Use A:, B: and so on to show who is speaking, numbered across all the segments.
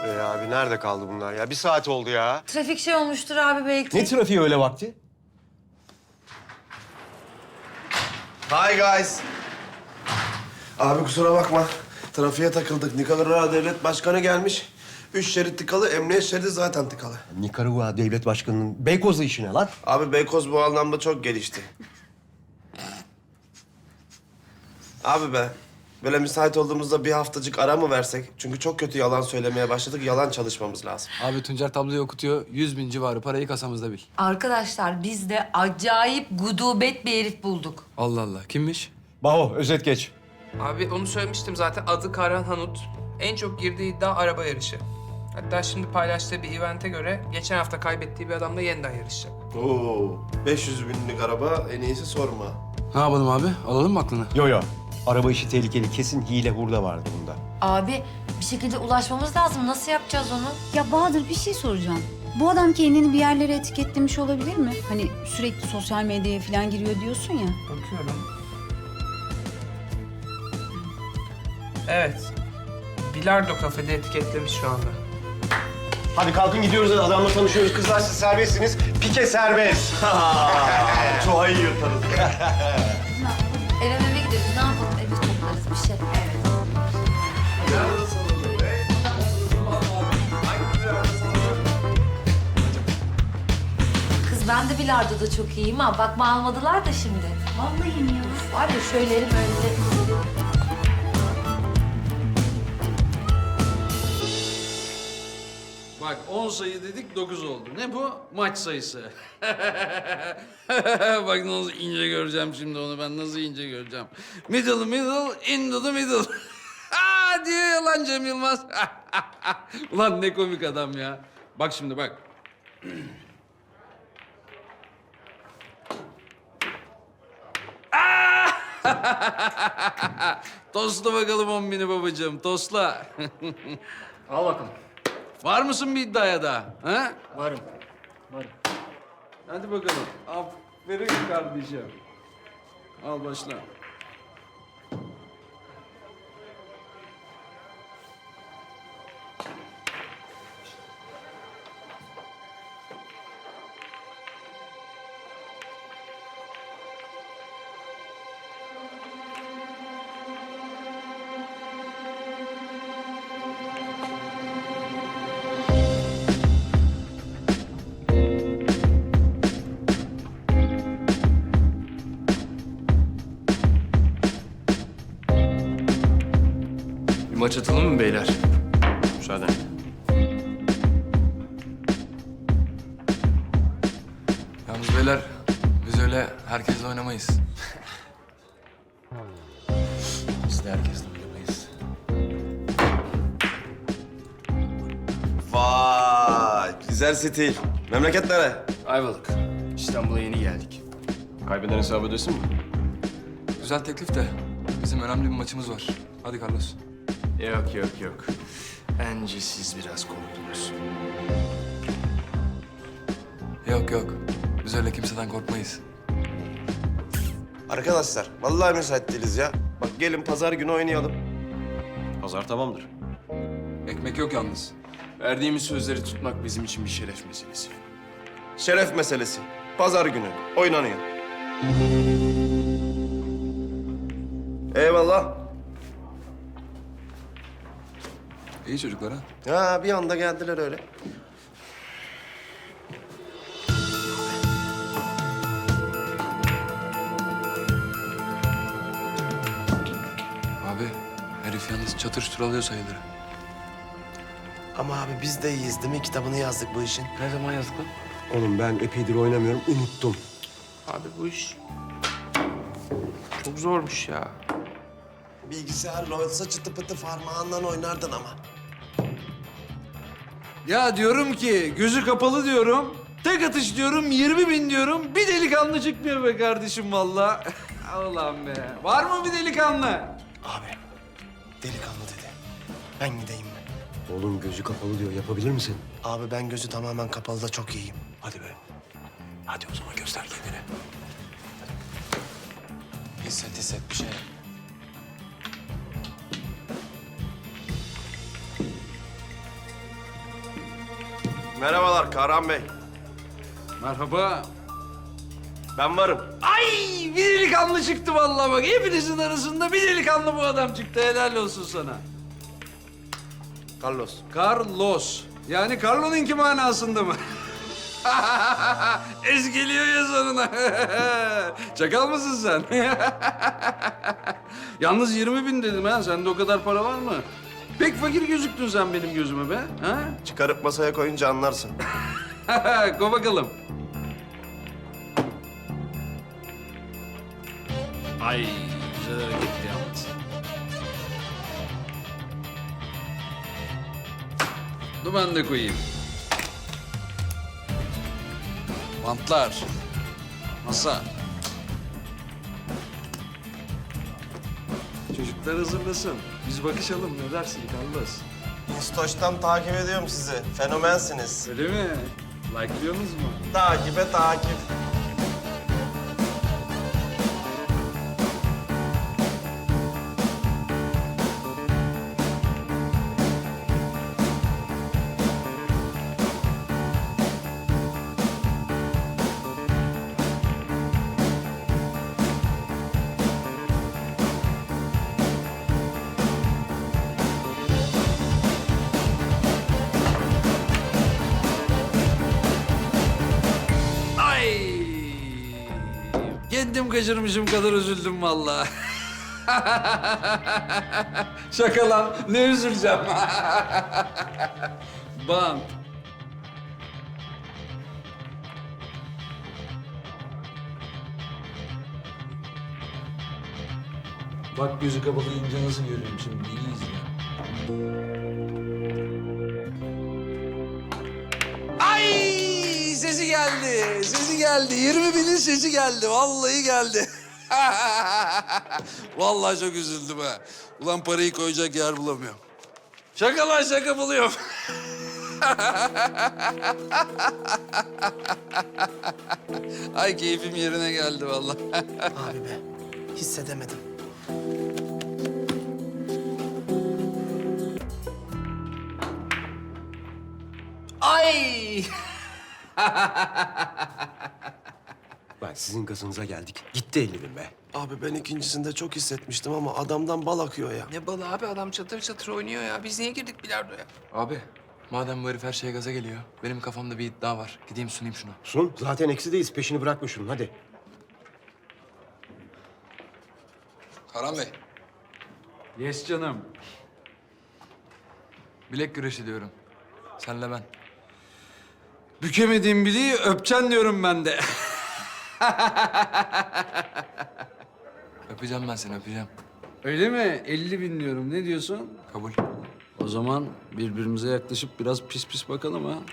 A: Abi nerede kaldı bunlar ya? Bir saat oldu ya.
B: Trafik şey olmuştur abi belki.
A: Ne trafiği öyle vakti?
C: Hi guys. Abi kusura bakma. Trafiğe takıldık. Nikaragua Devlet Başkanı gelmiş. 3 şerit tıkalı, emniyet şeridi zaten tıkalı.
A: Nikaragua Devlet Başkanı'nın Beykoz'la işi ne lan?
C: Abi Beykoz bu anlamda çok gelişti. Abi be, böyle müsait olduğumuzda bir haftacık ara mı versek? Çünkü çok kötü yalan söylemeye başladık, yalan çalışmamız lazım.
D: Abi Tuncer tabloyu okutuyor. 100.000 civarı parayı kasamızda bil.
B: Arkadaşlar biz de acayip gudubet bir herif bulduk.
D: Allah Allah. Kimmiş?
A: Baho, özet geç.
E: Abi onu söylemiştim zaten. Adı Karan Hanut. En çok girdiği iddia araba yarışı. Hatta şimdi paylaştığı bir evente göre geçen hafta kaybettiği bir adamla yeniden yarışacak.
C: Oo, 500 binlik araba en iyisi sorma.
D: Ne yapalım abi? Alalım mı aklını?
A: Yo. Araba işi tehlikeli. Kesin hile hurda vardı bunda.
B: Abi bir şekilde ulaşmamız lazım. Nasıl yapacağız onu?
F: Ya Bahadır bir şey soracağım. Bu adam kendini bir yerlere etiketlemiş olabilir mi? Hani sürekli sosyal medyaya falan giriyor diyorsun ya.
E: Bakıyorum. Evet. Bilardo kafede etiketlemiş şu anda.
A: Hadi kalkın gidiyoruz. Adamla tanışıyoruz. Kızlar siz serbestsiniz. Pike serbest.
C: Çoğayı yırtarız.
B: Eve gideriz. Ne yapalım? Evi toplarız bir şey. Kız ben de bilardoda çok iyiyim ha. Bakma almadılar da şimdi.
F: Vallahi mi ya?
B: Var ya şöyle elim önde.
G: Bak 10 sayı dedik 9 oldu. Ne bu? Maç sayısı. Bak nasıl ince göreceğim şimdi onu ben nasıl ince göreceğim. Middle into the middle. Diyor ya lan Cem Yılmaz. Ulan ne komik adam ya. Bak şimdi bak. Tosla bakalım 10.000'i babacığım, tosla.
H: Al bakalım.
G: Var mısın bir iddiaya da? Ha?
H: Varım. Varım.
G: Hadi bakalım. Aferin kardeşim. Al başla.
H: Bir maç atalım mı beyler?
A: Müsaade.
D: Yalnız beyler biz öyle herkesle oynamayız.
H: Biz de herkesle oynamayız.
C: Vay, güzel stil. Memleket nere?
H: Ayvalık. İstanbul'a yeni geldik.
A: Kaybeden hesabı ödesin mi?
D: Güzel teklif de bizim önemli bir maçımız var. Hadi Carlos.
H: Yok. Bence siz biraz korktunuz.
D: Yok. Biz öyle kimseden korkmayız.
C: Arkadaşlar, vallahi müsait değiliz ya. Bak gelin pazar günü oynayalım.
A: Pazar tamamdır.
D: Ekmek yok yalnız.
H: Verdiğimiz sözleri tutmak bizim için bir şeref meselesi.
C: Şeref meselesi. Pazar günü oynanıyor. Eyvallah.
D: İyi çocuklar ha.
C: Ha bir anda geldiler öyle.
D: Abi herif yalnız çatır çutur alıyor sayıları.
C: Ama abi biz de iyiyiz değil mi? Kitabını yazdık bu işin.
D: Ne zaman yazdık lan?
A: Oğlum ben epeydir oynamıyorum. Unuttum.
E: Abi bu iş çok zormuş ya.
C: Bilgisayarla olsa çıtı pıtı parmağından oynardın ama.
G: Ya diyorum ki gözü kapalı diyorum. Tek atış diyorum 20.000 diyorum. Bir delikanlı çıkmıyor be kardeşim vallahi. Allah'ım be. Var mı bir delikanlı?
C: Abi delikanlı dedi. Ben gideyim mi?
A: Oğlum gözü kapalı diyor. Yapabilir misin?
C: Abi ben gözü tamamen kapalı da çok iyiyim.
A: Hadi be. Hadi o zaman göster kendini.
D: Hisset bir şey.
C: Merhabalar Kahraman Bey.
G: Merhaba.
C: Ben varım.
G: Ay bir delikanlı çıktı vallahi bak. Hepinizin arasında bir delikanlı bu adam çıktı. Helal olsun sana.
C: Carlos.
G: Carlos. Yani Carlo'nunki manasında mı? Ez geliyor ya sonuna. Çakal mısın sen? Yalnız 20.000 dedim ha. Sende o kadar para var mı? Pek fakir gözüktün sen benim gözüme be. Ha?
C: Çıkarıp masaya koyunca anlarsın.
G: Ko bakalım. Ay güzel hareketti yalnız. Dur ben de koyayım. Bantlar. Masa. Çocuklar hazırlasın. Biz bakışalım ne dersin Carlos?
C: Instasto'dan takip ediyorum sizi. Fenomensiniz.
G: Öyle mi? Like'lıyorsunuz mu?
C: Takibe takip.
G: Ay! Kendim kaçırmışım kadar üzüldüm vallahi. Şaka lan, ne üzüleceğim? Bant. Bak gözü kapalayınca nasıl görüyorum şimdi, iyi izle. Ay sesi geldi, sesi geldi. 20.000'in sesi geldi, vallahi geldi. Vallahi çok üzüldüm ha. Ulan parayı koyacak yer bulamıyorum. Şaka lan şaka buluyorum. Ay keyfim yerine geldi vallahi.
C: Abi be, hissedemedim.
G: Ay!
A: Bak sizin kasınıza geldik. Gitti 50.000 be.
C: Abi ben ikincisinde çok hissetmiştim ama adamdan bal akıyor ya.
E: Ne balı abi, adam çatır çatır oynuyor ya. Biz niye girdik bilardoya?
D: Abi madem bu herif her şeye gaza geliyor, benim kafamda bir iddia var. Gideyim sunayım şunu.
A: Sun, zaten eksideyiz. Peşini bırakma şunun, hadi.
D: Karan Bey.
G: Yes canım.
D: Bilek güreşi diyorum. Senle ben.
G: Bükemediğim bileği öpeceksin diyorum ben de.
D: Öpeceğim ben seni, öpeceğim.
G: Öyle mi? 50.000 diyorum. Ne diyorsun?
D: Kabul.
G: O zaman birbirimize yaklaşıp biraz pis pis bakalım ha.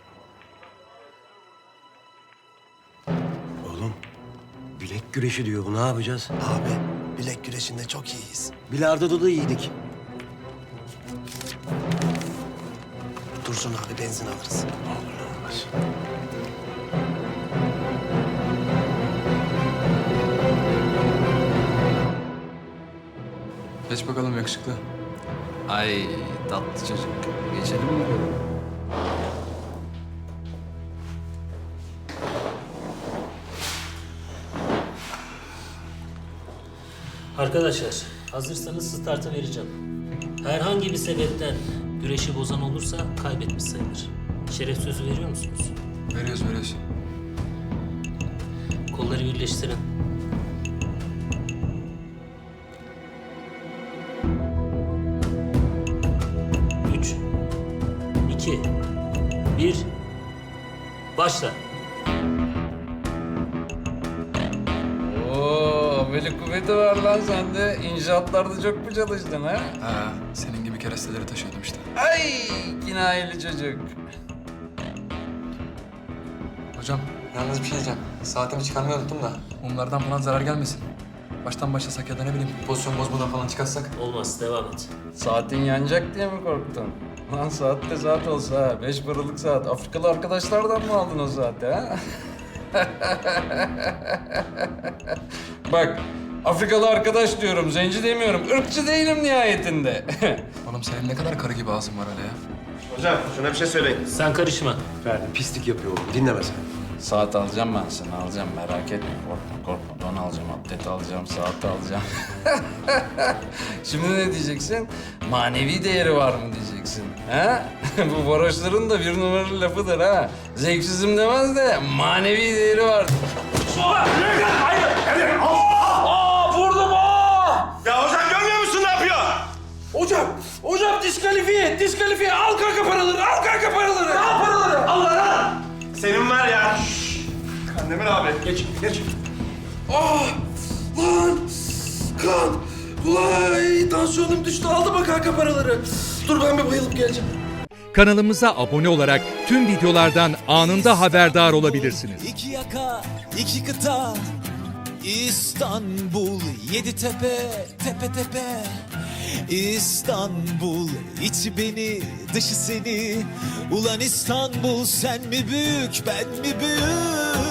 A: Oğlum, bilek güreşi diyor. Bu ne yapacağız?
C: Abi bilek güreşinde çok iyiyiz.
A: Bilardo'da da iyiydik.
C: Dursun abi benzin alırız.
A: Olmaz.
D: Geç bakalım yakışıklı.
G: Ay tatlı çocuk. Geçelim mi bakalım?
I: Arkadaşlar, hazırsanız startı vereceğim. Herhangi bir sebepten güreşi bozan olursa kaybetmiş sayılır. Şeref sözü veriyor musunuz?
D: Veriyoruz.
I: Kolları birleştirin. Üç, iki, bir, başla.
G: Oo, böyle kuvveti var lan sende. İnşaatlarda çok mu çalıştın ha?
D: Ha, senin gibi keresteleri taşıyordum işte.
G: Ay kinayeli çocuk.
D: Hocam, yalnız bir şey diyeceğim. Saatimi çıkarmayı unuttum da. Mumlardan falan zarar gelmesin. Baştan başlasak ya da ne bileyim pozisyon bozmadan falan çıkarsak.
I: Olmaz, devam et.
G: Saatin yanacak diye mi korktun? Lan saat de saat olsa ha. 5 paralık saat. Afrikalı arkadaşlardan mı aldın o saati ha? Bak, Afrikalı arkadaş diyorum, zenci demiyorum. Irkçı değilim nihayetinde.
D: Oğlum senin ne kadar karı gibi ağzın var öyle ya.
A: Hocam şuna bir şey söyleyin.
I: Sen karışma.
A: Ferdi pislik yapıyor oğlum. Dinleme sen.
G: Saat alacağım ben sana, alacağım. Merak etme, korkma. Don alacağım, atlet alacağım, saat alacağım. Şimdi ne diyeceksin? Manevi değeri var mı diyeceksin, ha? Bu varoşların da bir numaralı lafıdır ha. Zevksizim demez de manevi değeri var. Vurdum!
A: Ya hocam görmüyor musun ne yapıyor?
G: Hocam diskalifiye. Al kanka paraları. Al paraları. Al lan.
A: Senin var ya. Kandemir abi. Geç.
C: Kan! Vay! Tansiyonum düştü. Aldı bak kanka paraları. Dur ben bir bayılıp geleceğim.
J: Kanalımıza abone olarak tüm videolardan anında haberdar olabilirsiniz.
K: İki yaka, iki kıta, İstanbul, yedi tepe, tepe tepe. İstanbul, içi beni, dışı seni. Ulan İstanbul, sen mi büyük, ben mi büyük?